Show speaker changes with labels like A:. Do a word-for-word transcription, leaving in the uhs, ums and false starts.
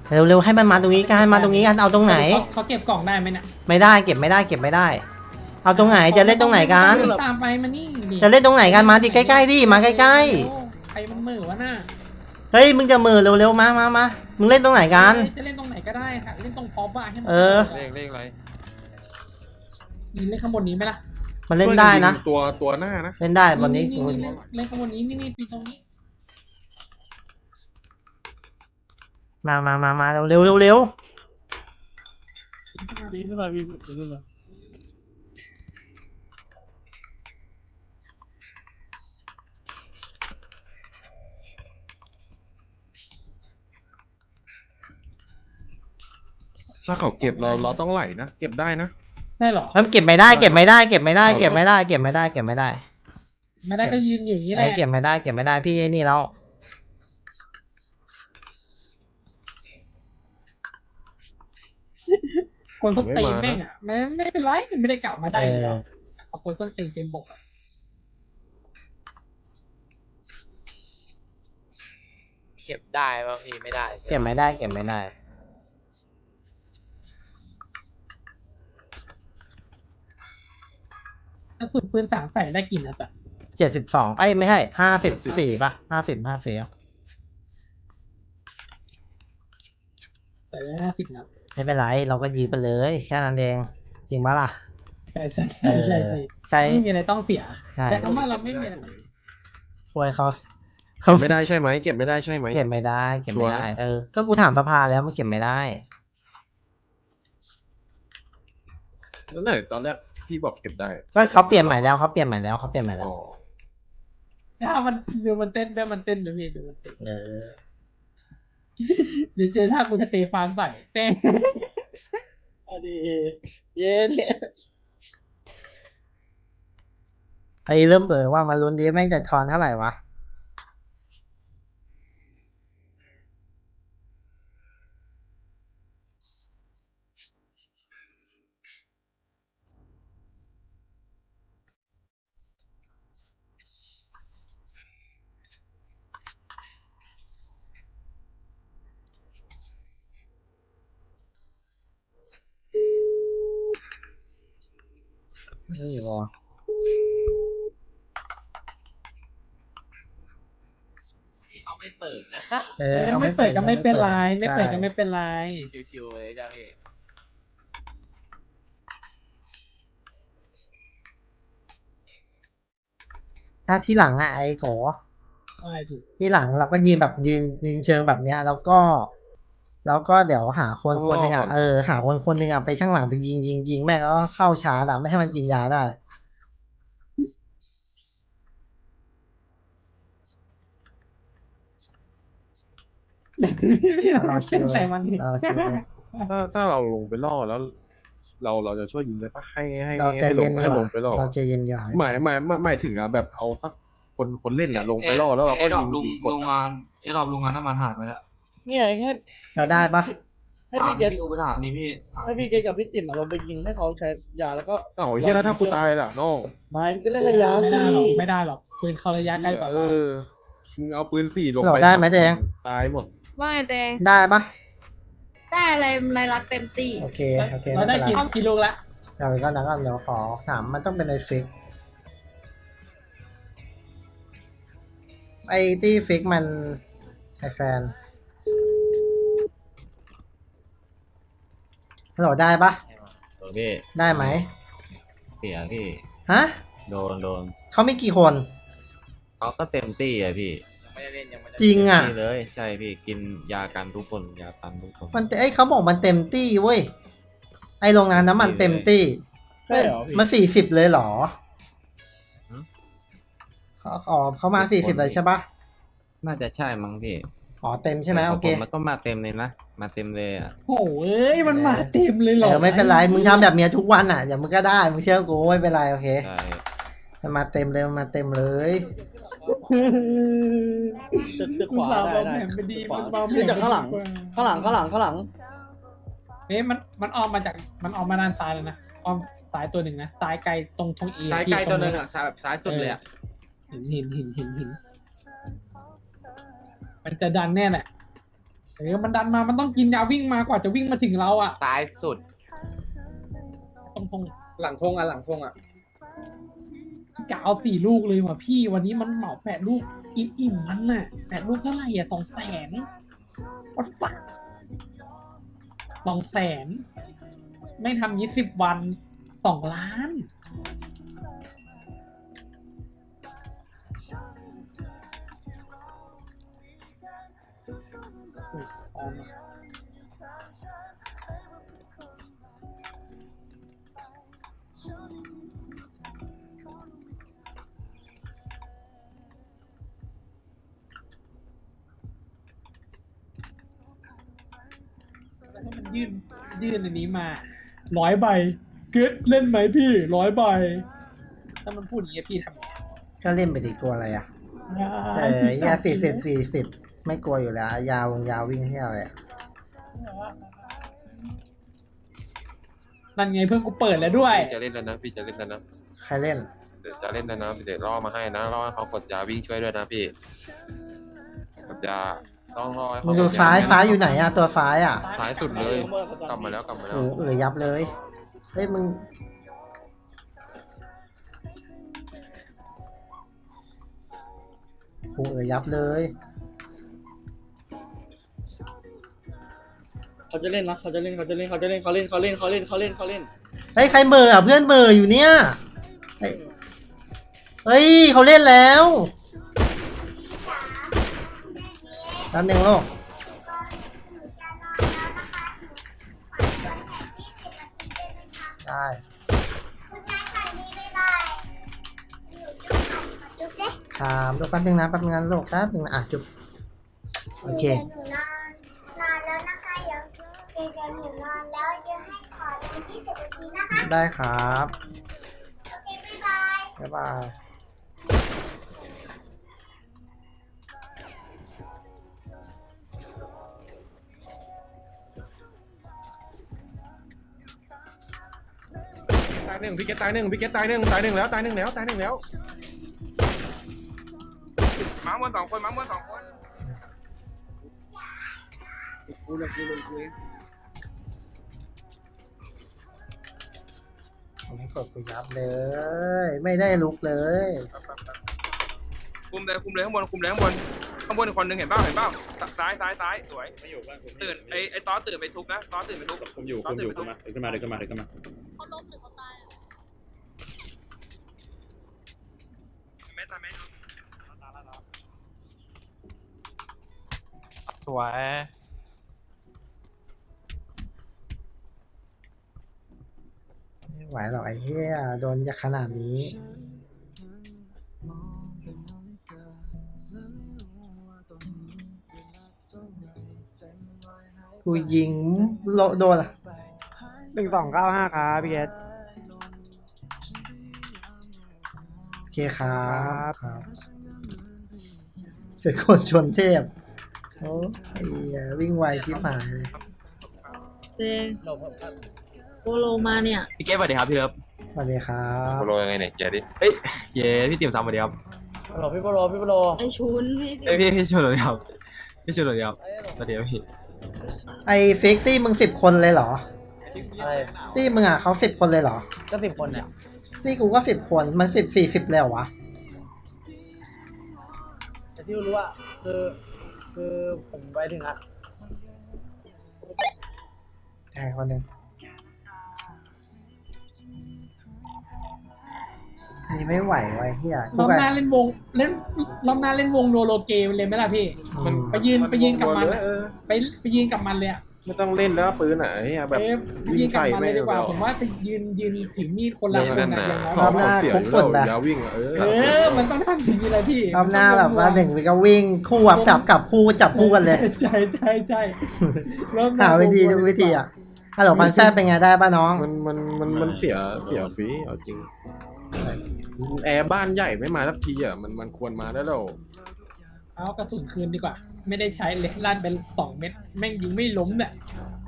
A: เร็วๆให้มันมาตรงนี้กันมาตรงนี้กันเอาตรงไหน
B: เขาเก็บกล่องได้ไหมเนี่ย
A: ไม่ได้เก็บไม่ได้เก็บไม่ได้ เอาตรงไหนจะเล่นตรงไหนกัน
B: ตามไปมานี่
A: จะเล่นตรงไหนกันมาดิใกล้ๆดิมาใกล้
B: ๆใครมันมือวะน่ะ
A: เฮ้ยมึงจะมือเร็วๆมามามามึงเล่นตรงไหนกัน
B: จะเล่นตรงไหนก็ได้ค่ะเล่นตรงพอปอะให้มัน
A: เออ
C: เลขเลขอะไร
B: ยิงเล่นข้างบนนี้ไหมล่ะ
A: มันเล่นได้นะ
C: ตัวตัวหน้านะ
A: เล่นได้บนนี้
B: เล่นข้างบนนี้นี่นี่ปีตรงนี้
A: มามามามาเร็วเร็วเร็วเร็ว
D: ปีขึ้นมาปีขึ้นมา
C: ถ้าเขาเก็บเราเราต้องไหลนะเก็บได้นะ
B: ได้หรอ
A: มันเก็บไม่ได้เก็บไม่ได้เก็บไม่ได้เก็บไม่ได้เก็บไม่ได้เก็บไม่ได้
B: ไม่ได้ก็ยืนอย่างนี้แหละ
A: เก็บไม่ได้เก็บไม่ได้พี่นี่แล้ว
B: คนต้นตีแม่งอ่ะไม่ไม่เป็นไรไม่ได้กลับมาได้เลยเอาคนต้นตีเกมบก
E: เก็บได้ป่ะพี่ไม่ได้
A: เก็บไม่ได้เก็บไม่ได้
B: ถ้าสุดปืนสามใส่ได้กี่นัดอ่ะ
A: เจ็ดสิบสองไอ้ไม่ใช่ห้าสิบสี่ป่ะห้าสิบห้าสี่
B: ใส่ได้ห้าสิบนัด
A: ไม่เป็นไรเราก็ยืมไปเลยแค่นั้นเองจริงปะล่ะ
B: ใช่ใช่ใช่ใช่ใช่ไม่มีอะไรต้องเสียแต่คำว่าเราไม่มีอะไร
A: ช่วยเขา
C: เก็บไม่ได้ใช่ไหมเก็บไม่ได้ใช่ไหม
A: เก็บไม่ได้เก็บไม่ได้เออก็กูถามสภาแล้วมันเก็บไม่ได้
C: แล้วไหนตอนแรกพี่บอกเก็บได้
A: ก็เขาเปลี่ยนใหม่แล้วเขาเปลี่ยนใหม่แล้วเขาเปลี่ยนใหม่แล้ว
B: ถ้ามันดูมันเต้นได้มันเต้นดูพี่ดูมันเต้น
A: เออ
B: เดี๋ยวเจอถ้ากูสเตฟานใส่เต้น
D: อันนี้เย็น
A: ไอ้เริ่มเปิดว่ามาลุ้นดีแม่งจะทอนเท่าไหร่วะนี่บอ
E: เอาไม่เปิดนะ
A: เออ
B: ไม่เปิดก็ไม่เป็นไรไม่เปิดก็ไม่เป็นไร
E: ชิวๆเลยจ้าพี่
A: ถ้าที่หลังอ่ะไอ้โกที่หลังเราก็ยืนแบบยืนยืนเชิงแบบเนี้ยแล้วก็ แล้วก็เดี๋ยวหาคนคนหนึ่งอ่ะเออหาคนคนหนึ่งอ่ะไปข้างหลังไปยิงยิงยิงแม่งแล้วก็เข้าชาร์จอ่ะไม่ให้มันกินยาได้
B: เราเชื่อใจมัน
C: ถ้าถ้าเราลงไปล่อแล้ว เราเราจะช่วยยิงได้ปะให้ให้
A: ให้
C: ลงให้ลงไปล่อ
A: เราจะเย็นยา
C: หมายหมายหมายถึงอ่ะแบบเอาสักคนคนเล่นอ่ะลงไปล่อแล้วเราก็ยิง
E: ลุงลุงงานไอ้รอบลุงงานน้ำมันหายไปแล้ว
D: เนี่ยแค่
A: เราได้ปะ
D: ให้พี่เกด
E: ดูไปถามนี่พี่
D: ให้พี่เกดกับพี่ติ๋มเราไปยิงให้เขาใช้ยาแล้วก็
C: เอ้าเฮียแล้วถ้ากูตายล่ะน้อง
D: ไม่ก็เล่นระยะสิ
B: ไม่ได้หรอกปืนเขาระยะใกล้กว่า
C: เออมึงเอาปืนสี่ลงไป
A: ได้ไหมแดง
C: ตายหมด
F: ว่าไงแดง
A: ได้ปะ
F: ได้อะไรรายลักเต็มสี่
A: โอเคโอเค
B: เราได้กี่กี่ลูกละ
A: เดี๋ยวก็นักเดี๋ยวขอถามมันต้องเป็นไอฟิกไอที่ฟิกมันไอแฟนฮัลโหลได้ปะ
E: พี่
A: ได้ไหม
E: เสียพี่
A: ฮะ
E: โดนโดน
A: เขามีกี่คน
E: เขาก็เต็มตี้อ่ะพี่
A: จริงอ่ะ
E: เลยใช่พี่กินยากันทุกคนยากันทุกคน
A: มันไอเขาบอกมันเต็มตี้เว้ยไอโรงงานน้ำมันเต็มตี้
D: ใช่เหรอ
A: มันสี่สิบเลยเหรอเขาอ๋อเขามาสี่สิบเลยใช่ปะ
E: น่าจะใช่มั้งพี่
A: อ๋อเต็มใช่ไหมโอเค
E: มันต้องมาเต็มเลยนะมาเต็มเลยอ่ะ
B: โอ้ยมันมาเต็มเลยเหรอ
A: ไม่เป็นไรมึงทำแบบเนี้ยทุกวันอ่ะอย่ามึงก็ได้มึงเชื่อกูไม่เป็นไรโอเคมันมาเต็มเลยมันมาเต็มเลย
D: ตึกขวาได้ได้ขึ้นจากข้างหลังข้างหลังข้างหลังข้างหลัง
B: เอ๊ะมันมันออกมาจากมันออกมาด้านซ้ายเลยนะออกซ้ายตัวหนึ่งนะซ้ายไกลตรงทงเอ
E: ซ้ายไกลตัวหนึ่งอ่ะซ้ายแบบซ้ายสุดเลยอ่ะ
B: หินหินหินหินหินมันจะดันแน่แหละเออมันดันมามันต้องกินยาวิ่งมากว่าจะวิ่งมาถึงเราอ่ะ
E: ซ้ายสุด
B: ตรงตรง
D: หลังธงอ่ะหลังธงอ่ะ
B: ๆจะเอาสี่ลูกเลยว่ะพี่วันนี้มันเหมาแปดลูกอิ่มอิ่มๆมันน่ะแปดลูกเท่าไหร่อ่ะสองแสนวัดฝักสองแสนไม่ทำยี่สิบวันสองล้านอุ๊ยออมอะแล้วถ้ามันยื่นยื่นอันนี้มาร้อยใบเกิดเล่นไหมพี่ร้อยใบถ้ามันพูดอย่างนี้ยพี่ทำไง
A: ก็เล่นไปดีกลัวอะไรอ่ะเออยาสี่สิบสี่สิบไม่กลัวอยู่แล้ว ยาวงยาววิ่งที่อะไรอะ
B: นั่นไงเพื่อนกูเปิดแล้วด้วย
E: พี่จะเล่นแล้วนะพี่จะเล่นแล้วนะ
A: ใครเล่น
E: เดี๋ยวจะเล่นแล้วนะเดี๋ยวล่อมาให้นะล่อให้เขากดยาวิ่งช่วยด้วยนะพี่กดยาต้องล่อให้
A: มึ
E: เขา
A: ง
E: ก
A: ดู
E: ดยา
A: ซ้ายซ้ายอยู่ไหนอะตัวซ้ายอะ
E: ซ้ายสุดเลยกลับมาแล้วกลับมาแล้
A: โอ้
E: ว
A: เออยับเลยเฮ้ยมึงโอ้เออยับเลย
D: เขาจะเล่นนะเขาจะเล่นเขาจะเล่นเขาจะเล่นเขาเล่นเขาเล่นเขาเล่นเขาเล่นเขาเล่น
A: เฮ้ยใครเหม่ออะเพื่อนเหม่ออยู่เนี่ยเฮ้ยเฮ้ยเขาเล่นแล้วแป๊บนึงลูกได้ ถามลูกแป๊บนึงนะแป๊บนึงนะลูกแป๊บนึงนะอ่ะจุ๊บโอเค
G: หนูนอนนอนแล้วนะคะเดี๋ยวเดี๋ยวหนูนอนแล้วเดี๋ยวให้ขอเดินยี่สิบนาทีนะคะ
A: ได้ครับ
G: โอเคบ๊ายบาย
A: บ๊ายบาย
C: ตายหนึ่งพี่เกตตายหนึ่งพี่เกตตายหนึ่งตายหนึ่งแล้วตายหนึ่งแล้วตายหนึ่งแล้วมาบนสองคนมาบนสองคน
D: กูเลยกูเลยกูเอง
A: ผมให้กดกูยับเลย ไม่ได้ลุกเลย
H: คุมเลยคุมเลยข้างบนคุมเลยข้างบนข้างบนอีกคนนึงเห็นเปล่าเห็นเปล่าซ้ายซ้ายซ้ายสวยตื่นไอไอตอสตื่นไปทุบนะตอสตื่นไปทุบ
I: ผมอยู่ผมอยู่ขึ้นมาขึ้นมาเดินขึ้นมาเดินขึ้นมา
F: เขาล้มหรือเขาตายอะ
H: แม่ตายแม่
E: สวย
A: ไม่ไหวหรอกไอ้เหี้ยโดนจากขนาดนี้ กูยิงโลโดนอะ
D: หนึ่งสองเก้าห้าครับพี่เกต
A: โอเคครับครับเสือคนชนเทพโอ้ไอ้เหี้ยวิ่งไวชิบหายเลย
F: เจงโปโลมาเนี่ย
E: พี่เก้สวัสดีครับพี่เลิฟ
A: สวัสดีครับ
E: โปรยังไงเนี่ยเกียร์ดิเฮ้ยเย้พี่ติ๋มซ้ำสวัสดีครับ
D: ฮัลโหลพี่โปโลพี่โปโล
F: ไอชุนพี่
E: เอ้ยพี่พี่ชวนเลยครับพี่ชวนเลยครับสวัสดีครับพี่
A: ไอ้ฟิกตี้มึงสิบคนเลยเหรอ
D: อะไร
A: ตี้มึงอ่ะเขาสิบคนเลยเหรอ
D: ก็สิบคนเนี่ย
A: ตี้กูก็สิบคนมันสิบสี่สิบแล้ววะ
D: แต่ที่รู้ว่าคือคือผมไปถึงอะ
A: ใช่คนหนึ่งนี่ไม่ไหวไว้เฮีย
B: รอบหน้าเล่นวงเล่นรอบหน้าเล่นวงโนโลเกมเลยไหมล่ะพี่
A: มัน
B: ไปยืนไปยืนกับมัน
C: เออ
B: ไปไปยืนกับมันเลยอ่ะ
C: ไม่ต้องเล่นแล้วปืนอ่ะไอ้เหี้ยแบบ
B: เอ้ยไปยืนกับมันเลยดีกว่าผมว่าไปยืนยืนถือมีดคนละคนอะอย่างน้อย
C: ขอขอเสียงเรายาววิ่งอ่ะเออ
B: เออมันต้องทำอย่างนี้เลยพี่
A: รอบหน้าแบบว่าหนึ่งวิก็วิ่งคู่แบบจับกับคู่จับคู่กันเลย
B: ใช่ใช่ใช่รอบ
A: หาวิธีทุกวิธีอ่ะฮัลโหลพันแฟบเป็นไงได้ป่ะน้อง
C: มันมันมันมันเสียเสียฟรีเอาจริงแอร์บ้านใหญ่ไม่มาสักทีอ่ะมันมันควรมาได้แล้ว
B: เอากระสุนคืนดีกว่า ไม่ได้ใช้เลยลั่นไปสองเม็ดแม่งยิงไม่ล้มเนี่ย